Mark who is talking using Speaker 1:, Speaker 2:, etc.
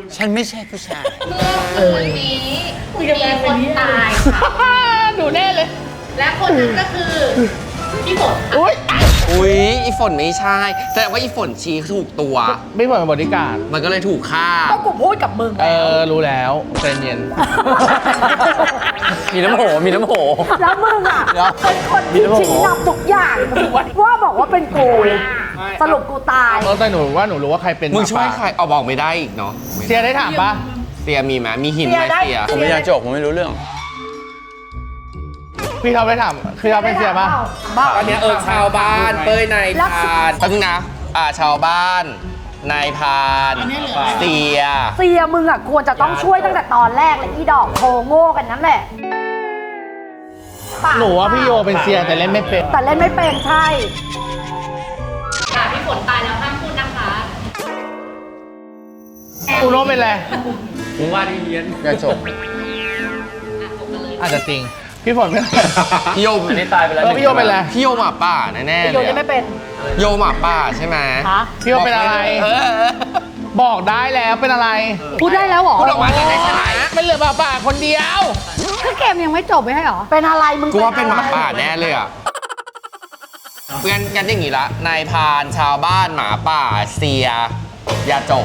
Speaker 1: ฉันไม่ใช่ผู้ชาย
Speaker 2: คนนี้มีคนตายค่ะ
Speaker 3: หนูแน่เลย
Speaker 2: และคนนั้นก็คือพี่ฝน
Speaker 3: อุ้ย
Speaker 1: อุ๊ยอีฝนไม่ใช่แสดงว่าอีฝนชี้ถูกตัว
Speaker 3: ไม่เหมือนบริการ
Speaker 1: มันก็เลยถูกฆ่า
Speaker 4: ก็กูพูดกับมึง
Speaker 3: รู้แล้วใจเย็น
Speaker 1: มีน้ำโหมีน้ำโห
Speaker 4: แล้วมึงอ่ะ
Speaker 1: เดี๋ยว
Speaker 4: เป็นคนที่ชี้นำทุกอย่างว่าบอกว่าเป็นกูสรุปกูตาย
Speaker 3: แต่หนูว่าหนูรู้ว่าใครเป็น
Speaker 1: มึงช่วย
Speaker 3: หา
Speaker 1: ใคร
Speaker 3: ป่า
Speaker 1: เอาบอกไม่ได้อีกเนาะ
Speaker 3: เสียได้ถามปะ
Speaker 1: เสียมีไหมมีหินไหม
Speaker 4: เสียได้
Speaker 1: เสีย
Speaker 5: ผมไม่อยากจบผมไม่รู้เรื่อง
Speaker 3: พี่เขาไปถามคือเขาเป็นเสียปะ
Speaker 1: ตอนเนี้ยชาวบ้านเป้ยนายพานแป๊บนึงนะชาวบ้านนายพานเสีย
Speaker 4: เสียมึงอ่ะควรจะต้องช่วยตั้งแต่ตอนแรกเลยอีดอกโทโง่กันนั่นแหละปก
Speaker 3: หนูว่าพี่โยเป็นเสียแต่เล่นไม่เป็น
Speaker 4: แต่เล่นไม่เป็นใช่
Speaker 2: ค่ะพี่ฝนตายแล้วห้ามพูดนะคะ
Speaker 3: อูโน่เป็นอะไร
Speaker 5: ผมว่าที่เฮียน
Speaker 1: อย่าจบ
Speaker 3: อาจจะจริง พี่ฝนเป็นอะไร
Speaker 1: พี่โย
Speaker 5: อันนี้ตายไปแล้ว
Speaker 3: พี่โยเป็นอะไร
Speaker 1: พี่โยหมาป่าแน่ๆ
Speaker 4: โย
Speaker 1: เลย
Speaker 4: เล่นไม่เป็น
Speaker 1: โยหมาป่าใช่ไหม
Speaker 4: ฮะ
Speaker 3: พี่โยเป็นอะไร บอกได้แล้วเป็นอะไร
Speaker 4: พูดได้แล้วเหรอ
Speaker 1: พูดออกมาจะได้ชนะ
Speaker 3: ไม่เหลือป่าคนเดียว
Speaker 4: คือเกมยังไม่จบไม่ใช่เหรอ เป็นอะไรมึง
Speaker 1: กูว่าเป็นหมาป่าแน่เลยอ่ะงั้นอย่างงี้ละนายพรานชาวบ้านหมาป่าเสีย อย่าจบ